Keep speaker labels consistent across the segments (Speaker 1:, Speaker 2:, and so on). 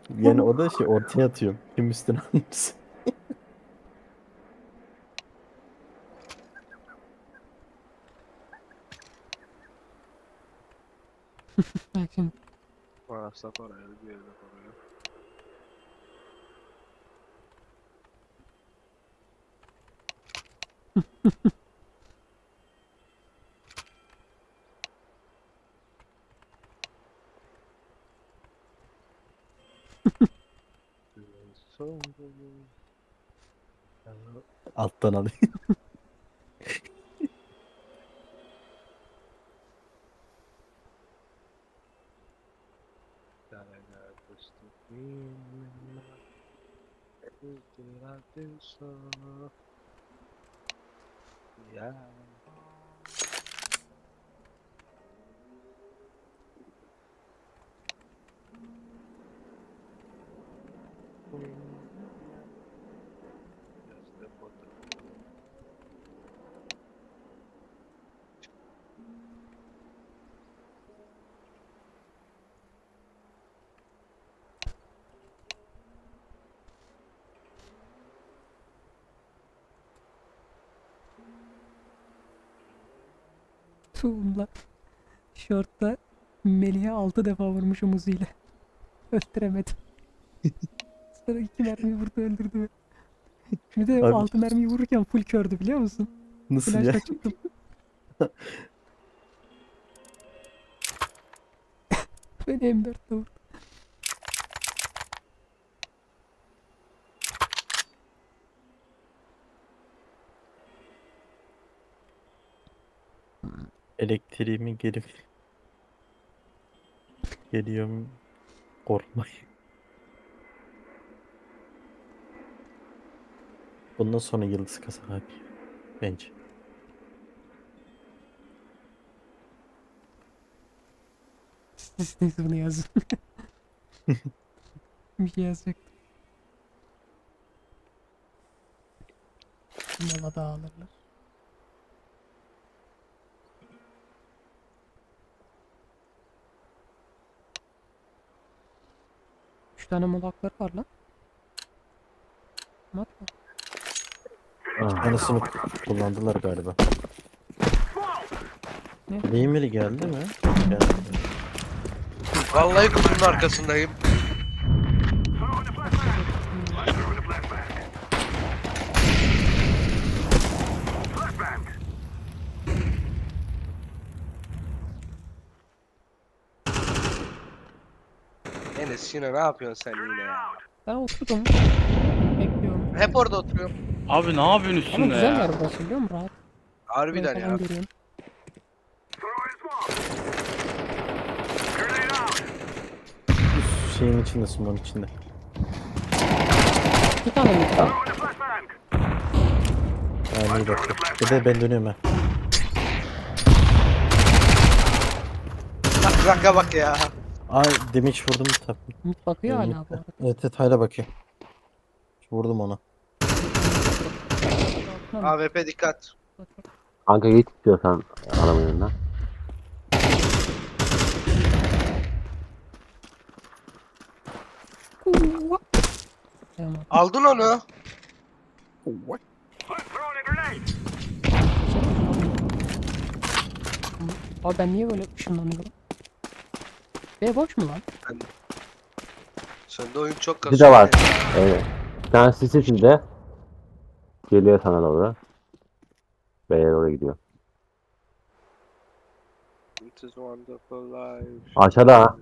Speaker 1: Yani o da şey ortaya atıyorum. Kim üstüne almış?
Speaker 2: Bak şimdi.
Speaker 3: Varsa parayı bir yerde parayı.
Speaker 1: Alttan alayım.
Speaker 3: Ya.
Speaker 2: Tuğumla. Şortta Melih'e 6 defa vurmuşum uzuyla. Öldüremedim. Sonra 2 mermi vurdu öldürdü beni. Bir de
Speaker 1: Abi
Speaker 2: 6 mermiyi vururken full kördü biliyor musun?
Speaker 1: nasıl ya?
Speaker 2: Flash'la çıktım. Beni M4'le vurdu.
Speaker 1: Elektriğimi geri geliyorum. Korkmayın. Bundan sonra yıldız kasa abi. Bence.
Speaker 2: Neyse bunu yazın. Bir şey yazacak. Nova da alırlar. Üç tane molakları var lan. Mat mı?
Speaker 1: Anasını kullandılar galiba.
Speaker 2: Ne?
Speaker 1: Lemiri geldi mi? Geldi.
Speaker 3: Vallahi kutunun arkasındayım. Enes yine ne yapıyorsun sen yine ya?
Speaker 2: Ben oturdum. Bekliyorum.
Speaker 3: Hep orada oturuyorum.
Speaker 4: Abi ne yapıyorsun
Speaker 2: Ama
Speaker 4: üstünde
Speaker 2: güzel
Speaker 4: ya?
Speaker 2: yer burası biliyor musun? Rahat. Burayı
Speaker 3: Harbiden
Speaker 2: falan
Speaker 3: ya.
Speaker 2: görüyorum.
Speaker 1: Üst şeyin içinde, smoke'un içinde.
Speaker 2: Bir tane mi?
Speaker 1: Yani iyi bakıyor. Bir de ben dönüyorum ha.
Speaker 3: Bak raka bak ya.
Speaker 1: Ay damage vurdum tabii.
Speaker 2: Mid bakıyor hala
Speaker 1: Mid'de.
Speaker 2: bu arada.
Speaker 1: Evet evet hala bakıyor. Vurdum ona.
Speaker 2: Tamam.
Speaker 3: AWP dikkat.
Speaker 5: Kanka git istiyorsan adamın yanına.
Speaker 2: Tamam.
Speaker 3: Aldın onu.
Speaker 2: Abi ben niye böyle ışınlanıyorum? B boş mu lan?
Speaker 3: Sende oyun çok
Speaker 5: Bir
Speaker 3: kasıyor.
Speaker 5: de var. Evet. Bir tanesi sis içinde. Geliyor sana doğru. B'ye doğru gidiyor.
Speaker 3: It is wonderful life.
Speaker 5: Aşağıda ha.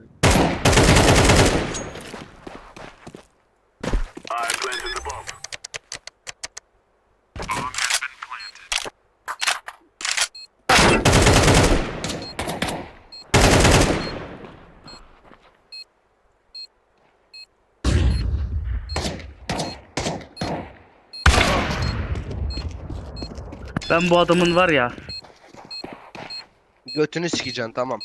Speaker 4: Ben bu adamın var ya.
Speaker 3: Götünü sikeceksin tamam.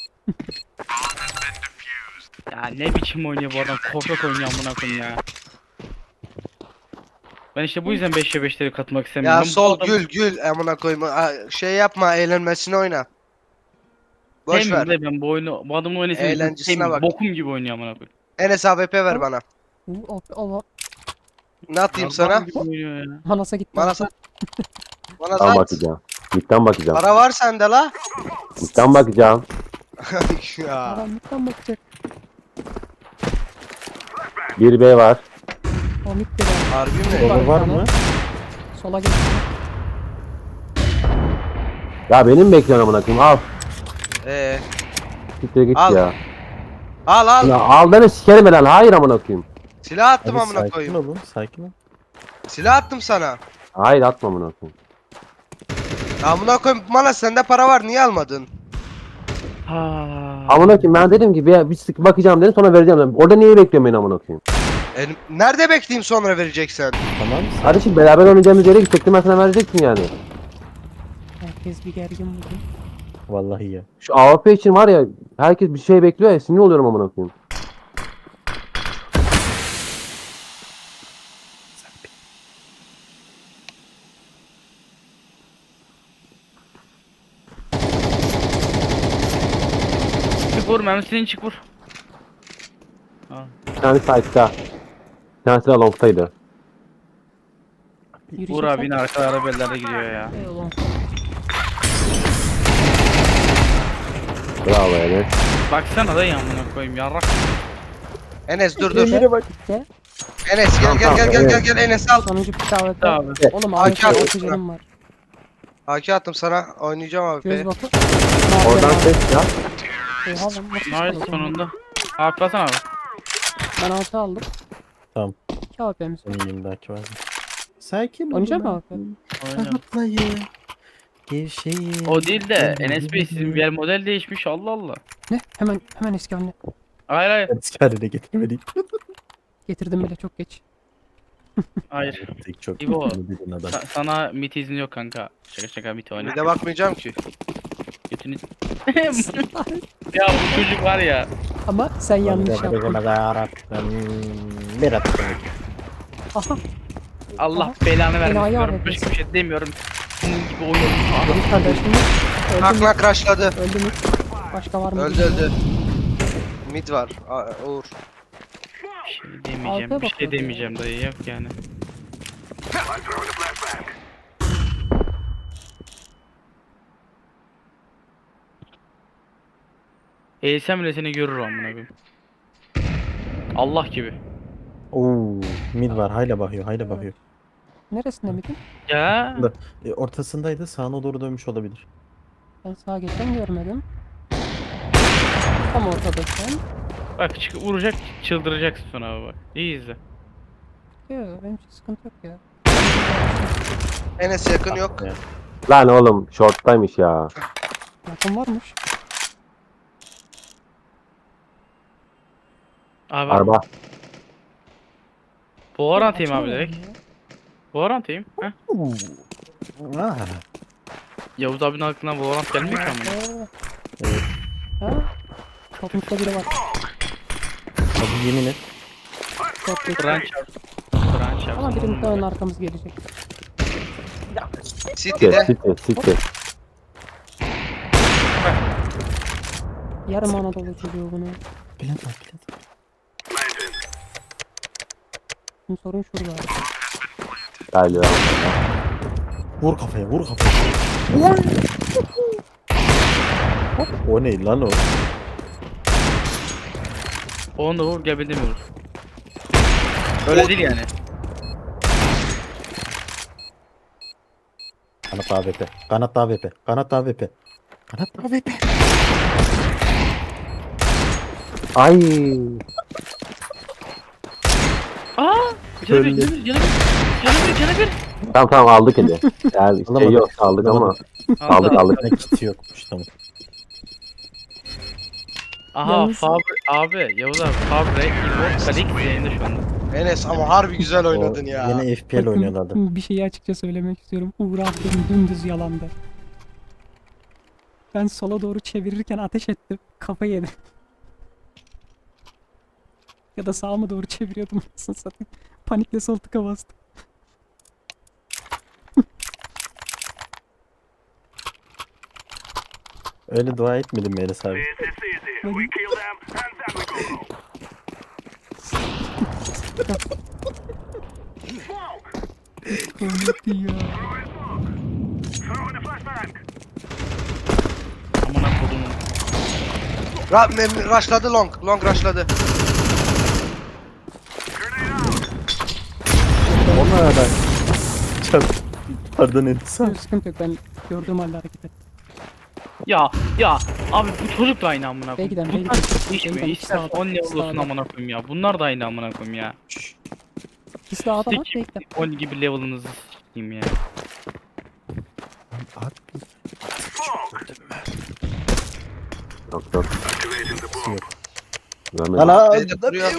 Speaker 4: Ya ne biçim oynuyor bu adam? Korkak oynuyor amına koyayım ya. Ben işte bu yüzden 5'e 5'leri katmak istemiyorum.
Speaker 3: Ya
Speaker 4: Ben bu
Speaker 3: sol
Speaker 4: adam
Speaker 3: gül amına koyma. Şey yapma eğlenmesini oyna. Boş
Speaker 4: sevmiyorum
Speaker 3: ver.
Speaker 4: da ben bu oyunu bu adamın oynasını
Speaker 3: Eğlencesine
Speaker 4: sevmiyorum.
Speaker 3: bak.
Speaker 4: Bokum gibi oynuyor amına koyayım.
Speaker 3: Enes AWP ver
Speaker 2: Tamam.
Speaker 3: bana.
Speaker 2: Allah.
Speaker 3: Ne atayım
Speaker 4: Adam
Speaker 3: sana?
Speaker 4: gibi oynuyor ya.
Speaker 2: Manasa gitti.
Speaker 3: Bana sat. Bana
Speaker 5: Tam
Speaker 3: sat.
Speaker 5: bakacağım. Midden bakacağım.
Speaker 3: Para var sende la.
Speaker 5: Midden bakacağım.
Speaker 3: Ya.
Speaker 2: Adam lütfen bakacak.
Speaker 5: Bir B var.
Speaker 2: O mid de var.
Speaker 3: Harbi mi?
Speaker 1: Baba var
Speaker 2: bir tane.
Speaker 1: mı?
Speaker 2: Sola geç.
Speaker 5: Ya benim bekliyorsun amına koyayım. Al.
Speaker 3: Ee,
Speaker 5: Siktir git
Speaker 3: Al.
Speaker 5: ya.
Speaker 3: al
Speaker 5: Ya
Speaker 3: al.
Speaker 5: al beni sikerim lan. Hayır amına koyayım.
Speaker 3: Silah attım
Speaker 1: Abi
Speaker 3: amına
Speaker 1: sakin
Speaker 3: koyayım.
Speaker 1: olun. Sakin ol.
Speaker 3: Silah attım sana.
Speaker 5: Hayır atma amına koyayım.
Speaker 3: Amına koyayım bana sende para var niye almadın?
Speaker 4: Ha.
Speaker 5: Amına koyayım ben dedim ki bir sık bakacağım dedim sonra vereceğim dedim. Orada niye bekliyorsun beni amına koyayım?
Speaker 3: Nerede bekleyeyim sonra vereceksen?
Speaker 1: Tamam.
Speaker 5: Kardeşim beraber oynayacağımız yere gidecektim ben sana verecektim yani.
Speaker 2: Herkes bir gergin bugün.
Speaker 1: Vallahi ya.
Speaker 5: Şu AWP için var ya herkes bir şey bekliyor ya sinir oluyorum amına koyayım.
Speaker 4: Çık vur mermisini çık vur. Ha.
Speaker 5: Bir tanesi side'da. Bir tanesi de long'taydı.
Speaker 4: Vur abi yine arkalarda bellerde gidiyor ya.
Speaker 2: Eyvallah.
Speaker 5: Bravo Enes.
Speaker 4: Baksana da amına koyayım yarrak.
Speaker 3: Enes dur.
Speaker 1: Yere bak.
Speaker 2: De.
Speaker 3: Enes gel
Speaker 5: Tamam,
Speaker 3: gel Enes al.
Speaker 2: Sonuncu bir davet.
Speaker 4: Abi.
Speaker 2: Oğlum
Speaker 3: AK
Speaker 2: abi
Speaker 3: atmışsın.
Speaker 2: oksijenim var.
Speaker 3: AK attım sana oynayacağım abi.
Speaker 2: Göz bakın.
Speaker 5: Oradan ses ya.
Speaker 2: Oha lan nasıl
Speaker 4: Nice
Speaker 2: çıkardım?
Speaker 4: sonunda. Abi basana abi.
Speaker 2: Ben AK aldım.
Speaker 1: Tamam.
Speaker 2: 2 AP'miz var.
Speaker 1: Senin yanındaki var. Sakin ol.
Speaker 2: Oynayacak mı AP?
Speaker 4: Oyna.
Speaker 1: Rahatlayın. Gevşeyin.
Speaker 4: O değil de Enes Bey sizin bir yer model değişmiş Allah Allah.
Speaker 2: Ne? Hemen eski haline.
Speaker 4: Hayır hayır.
Speaker 1: Haline getirmedik.
Speaker 2: Getirdim bile çok geç.
Speaker 4: Hayır.
Speaker 1: Tek çok
Speaker 4: İbo.
Speaker 1: dedin adam.
Speaker 4: Sana mit izni yok kanka. Şaka mit oyna.
Speaker 3: Bir de bakmayacağım ki.
Speaker 4: Götünü... Ya bu çocuk var ya.
Speaker 2: Ama sen yanlış yaptın.
Speaker 1: Bir attım.
Speaker 2: Aha.
Speaker 4: Allah
Speaker 2: Aha.
Speaker 4: belanı
Speaker 2: Enayi
Speaker 4: vermesin.
Speaker 2: abi
Speaker 4: Başka bir
Speaker 2: diyorsun.
Speaker 4: şey demiyorum. Senin gibi oyun.
Speaker 2: Benim kardeşim öldü
Speaker 3: Nak
Speaker 2: mü?
Speaker 3: nak rushladı.
Speaker 2: Öldü mü? Başka var mı?
Speaker 3: Öldü. Mid var. Uğur.
Speaker 4: Bir şey demeyeceğim.
Speaker 2: Alta
Speaker 4: Bir şey
Speaker 2: bakıyor ya.
Speaker 4: demeyeceğim dayı yok yani. Eğilsem bile seni görür amına koyayım. Allah gibi.
Speaker 1: Oo, mid var. Hayla bakıyor. Hayla bakıyor.
Speaker 2: Neresinde miydin?
Speaker 4: Ya.
Speaker 1: Ortasındaydı. Sağına doğru dönmüş olabilir.
Speaker 2: Ben sağa geçen görmedim. Tam ortadayken.
Speaker 4: Bak çık vuracak çıldıracaksın sonra abi bak. İyi izle.
Speaker 2: Yok benim için sıkıntı yok ya.
Speaker 3: Enes yakın yok.
Speaker 1: Ya.
Speaker 5: Lan oğlum short'taymış ya.
Speaker 2: Yakın varmış.
Speaker 4: Abi
Speaker 5: Araba.
Speaker 4: Buhar atayım abi
Speaker 2: Açamıyorum
Speaker 4: direkt.
Speaker 2: ya.
Speaker 4: Buhar atayım. Heh.
Speaker 1: Ah.
Speaker 4: Yavuz abinin aklına buhar at gelmiyor ki amına.
Speaker 1: Evet.
Speaker 2: Ha? Topukta biri var.
Speaker 1: Abi yemin et.
Speaker 2: Çok geç.
Speaker 4: Kıran çarp. Kıran çarp.
Speaker 2: Ama birinin ön arkamız gelecek.
Speaker 3: City'de.
Speaker 5: Siktir.
Speaker 2: Yarım Anadolu çocuğu bunu.
Speaker 1: Plant var. Plant var.
Speaker 2: Şimdi sorun şurada.
Speaker 5: Galiba.
Speaker 1: Vur kafaya. Vur kafaya. O ne lan o?
Speaker 4: Onu da vur gel beni de mi vur? Öyle değil yani.
Speaker 1: Kanat AWP. Kanat AWP. Kanat AWP. Kanat AWP.
Speaker 5: Ay.
Speaker 4: Aa! Canı bir, canı bir, canı bir.
Speaker 5: Tamam aldık hadi. Yani şey
Speaker 1: Alamadık.
Speaker 5: yok aldık ama.
Speaker 1: Alamadık.
Speaker 5: Aldık.
Speaker 1: Ne kiti yokmuş tamam.
Speaker 4: Aha
Speaker 2: Yalnız-
Speaker 4: abi Yavuz abi Fabre, İlmor, Kalik yayında şu anda.
Speaker 3: Enes ama harbi güzel oynadın
Speaker 1: O
Speaker 3: ya.
Speaker 1: Yine FPL oynuyorlardı.
Speaker 2: Bir şeyi açıkça söylemek istiyorum. Uğur attığım dümdüz yalandı. Ben sola doğru çevirirken ateş ettim. Kafa yedim. Ya da sağa mı doğru çeviriyordum anasını satayım. Panikle sol tıka bastım.
Speaker 1: Öyle dua etmedim mi Enes abi?
Speaker 2: Komikti ya.
Speaker 4: Amına kodumun.
Speaker 3: Rushladı long. Long rushladı.
Speaker 1: Ona ben. Çat. Pardon insan.
Speaker 2: Yok, sıkıntı yok, ben gördüğüm halde hareket ettim.
Speaker 4: Ya abi bu çocuk da aynı amına
Speaker 2: Bey
Speaker 4: koyayım.
Speaker 2: giden, bey
Speaker 4: Bunlar
Speaker 2: giden.
Speaker 4: değişmiyor.
Speaker 2: Bey giden,
Speaker 4: İster
Speaker 2: sağda,
Speaker 4: 10 level olsun
Speaker 2: sağda.
Speaker 4: amına koyayım ya. Bunlar da aynı amına koyayım ya.
Speaker 2: İkisi de A'da lan,
Speaker 4: Sik
Speaker 2: bey giden.
Speaker 4: 10 gibi level'ınızı s**eyim ya.
Speaker 1: Abi.
Speaker 5: Yok yok.
Speaker 1: Yok.
Speaker 5: Görmedim.
Speaker 1: Lan
Speaker 3: Beyde duruyor.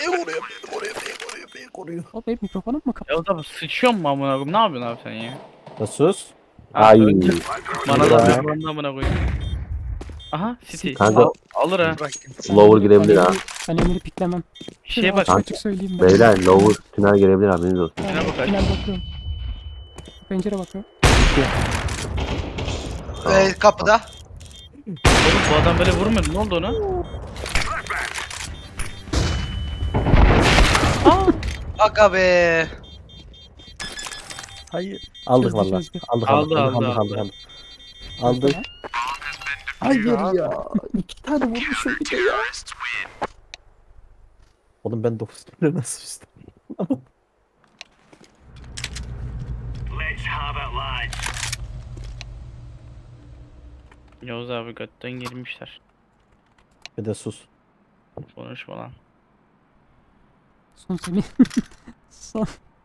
Speaker 2: O benim mikrofonum mu kapalı?
Speaker 4: Ya da sıçıyor mu amına koyayım? Ne yapıyorsun abi sen ya?
Speaker 1: Ya sus.
Speaker 5: Ay.
Speaker 4: Bana da
Speaker 1: Ya.
Speaker 4: bir amına koyayım. Aha City.
Speaker 5: Kanka-
Speaker 4: Alır ha.
Speaker 5: Lower girebilir ha.
Speaker 2: Ben Emir'i piklemem.
Speaker 4: Bir şeye bak.
Speaker 2: Açık açık söyleyeyim ben.
Speaker 5: Beyler lower tünel gelebilir haberiniz olsun.
Speaker 2: Ben
Speaker 4: Şuna bak,
Speaker 2: final bakıyorum. Pencere bakıyorum.
Speaker 3: Kapıda.
Speaker 4: Oğlum bu adam böyle vurmuyordu. Ne oldu ona?
Speaker 3: Aga be.
Speaker 1: Hayır. Aldık
Speaker 2: Çözdü,
Speaker 1: valla.
Speaker 2: çözdü.
Speaker 1: Aldık
Speaker 4: Aldı,
Speaker 1: aldık
Speaker 4: aldı,
Speaker 1: aldık
Speaker 4: aldı.
Speaker 1: aldık. Aldık. Hayır ya. 2 tane vurmuşum bir de ya. Oğlum ben 9 kere nasıl üstüm?
Speaker 4: Yavuz abi götten girmişler.
Speaker 1: Bir de sus.
Speaker 4: Konuşma lan.
Speaker 2: Son seni. Son.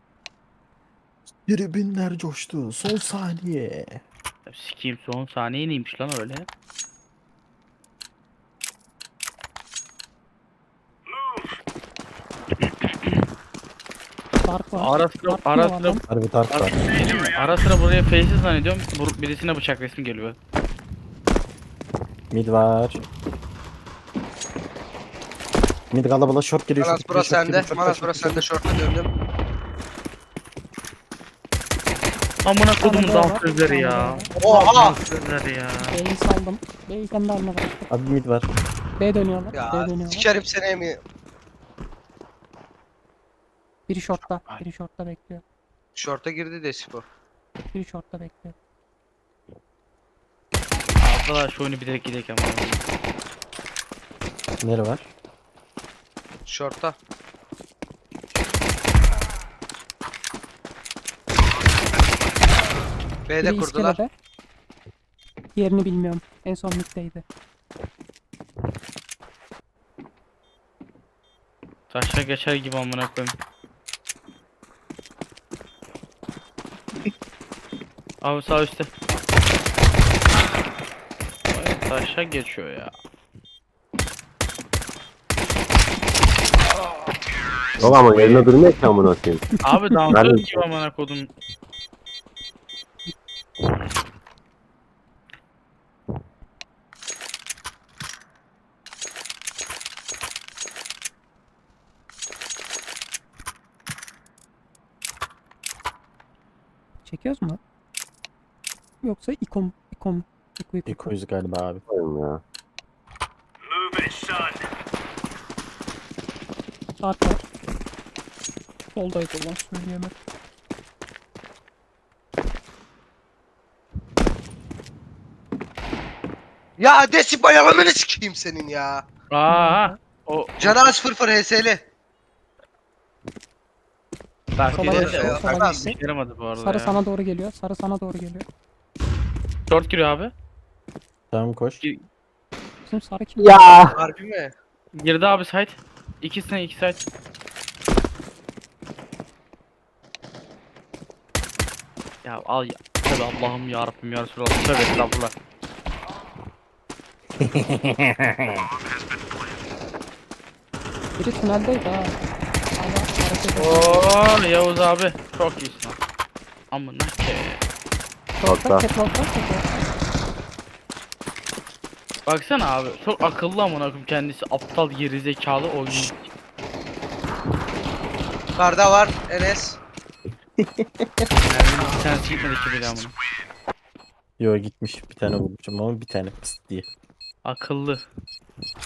Speaker 1: Tribünler coştu. Son saniye.
Speaker 4: Ya sikeyim son saniye neymiş lan öyle?
Speaker 2: Dark var.
Speaker 4: Ara sıra
Speaker 2: Dark
Speaker 4: ara
Speaker 2: mı var
Speaker 4: sıra
Speaker 2: lan?
Speaker 1: Harbi tark var.
Speaker 4: ara sıra buraya faces zannediyorum. Birisine bıçak resmi geliyor.
Speaker 1: Mid var. Mid kalabalık short giriyor.
Speaker 3: Manas
Speaker 1: short
Speaker 3: bura
Speaker 1: giriyor, short
Speaker 3: sende.
Speaker 1: giriyor, short
Speaker 3: Manas
Speaker 1: giriyor,
Speaker 3: bura
Speaker 1: short
Speaker 3: sende. Short'a döndüm.
Speaker 4: Amına kodumun
Speaker 2: Tane daha var,
Speaker 4: dansözleri
Speaker 2: tane daha
Speaker 4: ya.
Speaker 2: var.
Speaker 3: Oha!
Speaker 4: Dansözleri ya.
Speaker 2: B'yi saldım. B'yi kendi haline bıraktım.
Speaker 1: giriyor. Abi mid var.
Speaker 2: B dönüyorlar. B
Speaker 3: Ya
Speaker 2: dönüyorlar.
Speaker 3: sikerim seni mi?
Speaker 2: Biri shortta. Biri shortta bekliyor.
Speaker 3: Short'a girdi de Sipo.
Speaker 2: Biri shortta bekliyor.
Speaker 4: Arkadaş şu oyunu bilerek gidelim ama.
Speaker 1: Nere var?
Speaker 3: Short'a. B'de
Speaker 2: Biri
Speaker 3: kurdular.
Speaker 2: iskelede. Yerini bilmiyorum. En son middeydi.
Speaker 4: Taşla geçer gibi amına koyayım. Abi sağ üstte. Vay, taşa geçiyor ya.
Speaker 5: Yok ama yerine durmuyor ki amına koyayım.
Speaker 4: Abi dansöz
Speaker 5: Ben-
Speaker 4: gibi amına kodum.
Speaker 2: Çekiyoruz mu? Yoksa ikom.
Speaker 1: İkoyuz galiba abi.
Speaker 5: Koyayım ya.
Speaker 2: Dark var. Soldaydı ulan, söyleyemem.
Speaker 3: Ya Desipo yalanını sikeyim senin ya.
Speaker 4: Aa, o
Speaker 3: Canı az fırfır HS'li.
Speaker 4: bak
Speaker 2: Sola
Speaker 4: dedi
Speaker 2: geçti,
Speaker 4: de o
Speaker 2: sola
Speaker 4: kadar
Speaker 2: geçti.
Speaker 4: işe yaramadı bu arada
Speaker 2: Sarı
Speaker 4: ya.
Speaker 2: sana doğru geliyor. Sarı sana doğru geliyor.
Speaker 4: Short giriyor abi.
Speaker 1: Tamam koş.
Speaker 2: Bizim sarı kim?
Speaker 5: Ya.
Speaker 3: Harbi mi?
Speaker 4: Girdi abi site. İkisine iki site. Ya al ya. Tabi Allah'ım ya Rabbim ya Resulallah. Tövbe estağfurullah.
Speaker 2: Biri tüneldeydi ha. Hala hareket ediyor.
Speaker 4: Oo Yavuz abi. Çok iyisin. Amına ke.
Speaker 2: Short'ta,
Speaker 5: Short'ta.
Speaker 2: catwalk'ta, catwalk'ta.
Speaker 4: Baksana abi. Çok akıllı amına koyayım kendisi. Aptal geri zekalı oyuncu.
Speaker 3: Karda var Enes.
Speaker 4: Yani bir tanesi gitmedi ki bile amına.
Speaker 1: Yo gitmiş. Bir tane vurmuşum ama bir tane pıst diye.
Speaker 4: Akıllı.